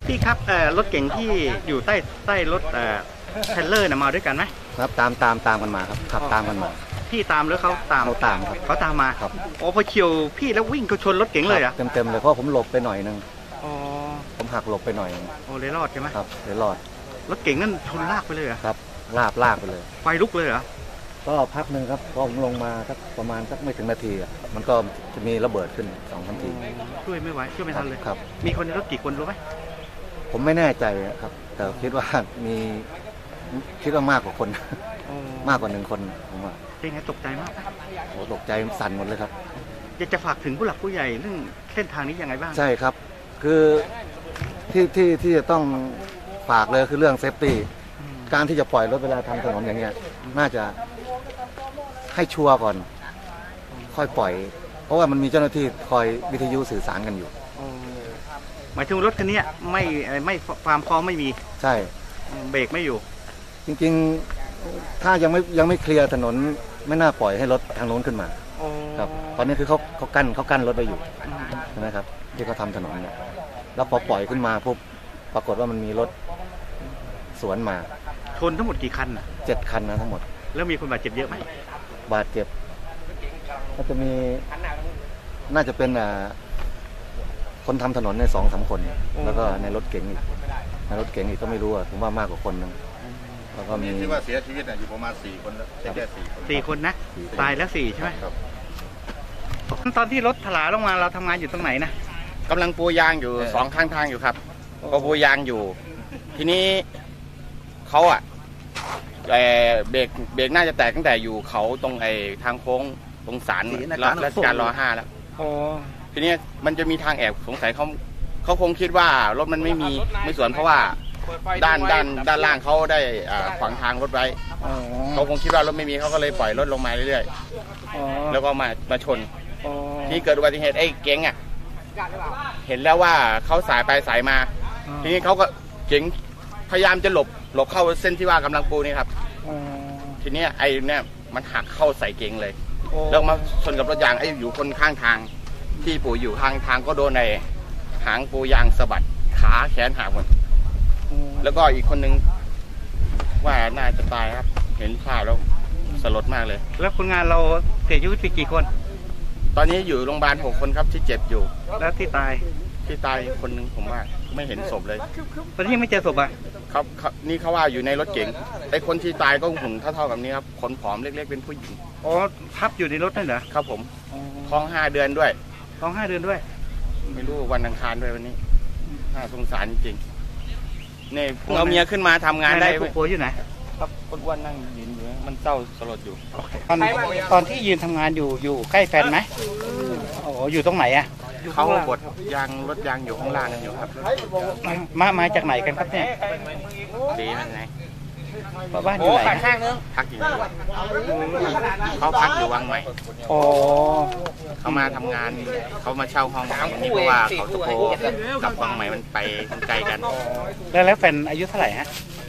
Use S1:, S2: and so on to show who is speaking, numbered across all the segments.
S1: พี่ครับรถเก๋งที่อยู่ใต้รถเทรลเลอร์มาด้วยกันไหม
S2: ครับตามกันมาครับขับตามกันมา
S1: พี่ตามหรือเขาตาม
S2: เขาตามครับ
S1: เขาตามมา
S2: ครับ
S1: โอ้พอเฉียวพี่แล้ววิ่งเขาชนรถเก๋งเลยอ่ะ
S2: เต็มเลยเพราะผมหลบไปหน่อยนึง
S1: อ๋อ
S2: ผมหักหลบไปหน่อย
S1: โอ้เลยรอดใช่ไหม
S2: ครับเลยรอด
S1: รถเก๋งนั่นชนลากไปเลยอ่ะ
S2: ครับลากไปเลย
S1: ไฟลุกเลยเหรอ
S2: ก็พักหนึ่งครับพอผมลงมาสักประมาณสักไม่ถึงนาทีมันก็จะมีระเบิดขึ้น2-3 ที
S1: ช่วยไม่ไหวช่วยไม่ทันเลย
S2: ครับ
S1: มีคนในรถกี่คนรู้ไหม
S2: ผมไม่แน่ใจครับแต่คิดว่ามากกว่าคนมากกว่า1 คนผมว่า
S1: เป็นไงตกใจมาก
S2: โอ้ตกใจสั่นหมดเลยครับ
S1: อยากจะฝากถึงผู้หลักผู้ใหญ่เรื่องเส้นทางนี้ยังไงบ้าง
S2: ใช่ครับคือที่จะต้องฝากเลยคือเรื่องเซฟตี้การที่จะปล่อยรถเวลาทำถนนอย่างเงี้ยน่าจะให้ชัวร์ก่อนค่อยปล่อยเพราะว่ามันมีเจ้าหน้าที่คอยวิทยุสื่อสารกันอยู่
S1: หมายถึงรถคันนี้ไม่ความพร้อมไม่มี
S2: ใช่
S1: เบรกไม่อยู่
S2: จริงๆถ้ายังไม่เคลียร์ถนนไม่น่าปล่อยให้รถทางโน้นขึ้นมาครับตอนนี้คือเขากั้นรถไว้อยู่ใช่ไหมครับที่เขาทำถนนเนี่ยแล้วพอปล่อยขึ้นมาปุ๊บปรากฏว่ามันมีรถสวนมา
S1: ชนทั้งหมดกี่คัน
S2: 7 คันนะทั้งหมด
S1: แล้วมีคนบาดเจ็บเยอะไหม
S2: บาดเจ็บก็จะมีน่าจะเป็นคนทำถนนใน2-3 คนแล้วก็ในรถเก๋งอีกก็ไม่รู้ผมว่ามากกว่าคนนึงแล้วก็มี
S3: ที่ว่าเสียชีวิตอยู่ประมาณ4 คนแล้วแค่
S1: 4 คนนะตายแล้ว4ใช่ไหมครับตอนที่รถถลาลงมาเราทำงานอยู่ตรงไหนนะ
S4: กำลังปูยางอยู่2 ข้างทางอยู่ครับก็ปูยางอยู่ทีนี้เขาเบรกน่าจะแตกตั้งแต่อยู่เขาตรงทางโค้งตรงศาลรัชกาลร.5แล้วทีนี้มันจะมีทางแอบสงสัยเขาคงคิดว่ารถมันไม่สวนเพราะว่าด้านล่างเขาได้ขวางทางรถไว้เขาคงคิดว่ารถไม่มีเขาก็เลยปล่อยรถลงมาเรื่อยๆแล้วก็มาชนที่เกิดอุบัติเหตุไอ้เก๋งเห็นแล้วว่าเขาสายไปสายมาทีนี้เขาก็เก๋งพยายามจะหลบเข้าเส้นที่ว่ากำลังปูนี่ครับทีนี้ไอ้เนี่ยมันหักเข้าใส่เก๋งเลยแล้วมาชนกับรถยางอยู่คนข้างทางที่ปูอยู่ข้างทางก็โดนในหางปูยางสะบัดขาแขนหักหมดแล้วก็อีกคนนึงว่าน่าจะตายครับเห็นภาพแล้วสลดมากเลย
S1: แล้วคนงานเราเสียชีวิตไปกี่คน
S4: ตอนนี้อยู่โรงพยาบาล6 คนครับที่เจ็บอยู่
S1: แล้วที่ตาย
S4: คนนึงผมว่าไม่เห็นศพเลย
S1: ตอนนี้ยังไม่เจอศพ
S4: ครับนี่เขาว่าอยู่ในรถเก๋งไอ้คนที่ตายก็หุ่นเท่ากับนี้ครับขนผอมเล็กๆเป็นผู้หญิง
S1: อ๋อทับอยู่ในรถนั่นเหรอ
S4: ครับผมท้อง5 เดือนด้วย
S1: ไม่
S4: รู้วันอังคารด้วยวันนี้น่าสงสารจริงๆเนี่ยเอาเมียขึ้นมาทำงานได้
S1: ผู้ป่วยอยู่ไหน
S4: ครับคนอ้วนนั่งยืนอยู่มันเศร้าสลดอยู่
S1: ตอนที่ยืนทำงานอยู่ใกล้แฟนไหมอยู่ตรงไหน
S4: เขาบดรถยางอยู่ข้างล่างกันอยู่ครับ
S1: มาจากไหนกันครับเนี่ย
S4: ดีมันไง
S1: บ้านอยู่ไหน
S4: พักอยู่เขาพักอยู่วังใหม่เขามาทำงานเขามาเช่าห้องนี้เพราะว่าเขาสุโขกับวังใหม่มันไปไกลกัน
S1: แล้วแฟนอายุเท่าไหร่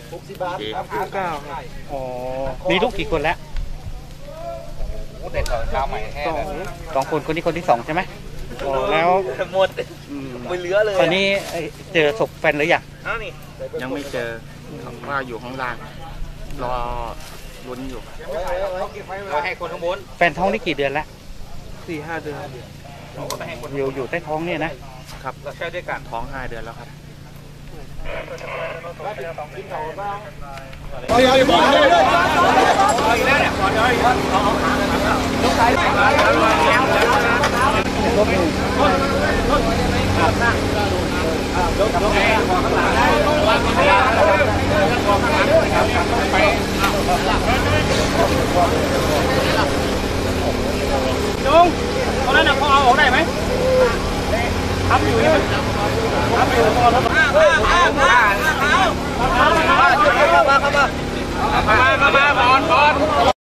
S1: 69มีลูกกี่คนแล้ว2 คนคนนี้คนที่2ใช่ไหมแล้ว
S4: หมดไม่เหลือเลย
S1: ตอนนี้เจอศพแฟนหรือ
S4: ยังไม่เจอว่าอยู่ข้างล่างรอลุ้นอยู่ให้คนข้างบน
S1: แฟนท้องนี่กี่เดือนแล้ว
S4: 4-5 เดือน
S1: อยู่ใต้ท้องเนี่ยนะครับ
S4: ใช่ด้วยกันท้อง5 เดือนแล้วครับ
S1: ลุงตอนนั้นเขาเอาออกได้ไหมทำอยู่ใช่ไหมทำอยู่มาบอล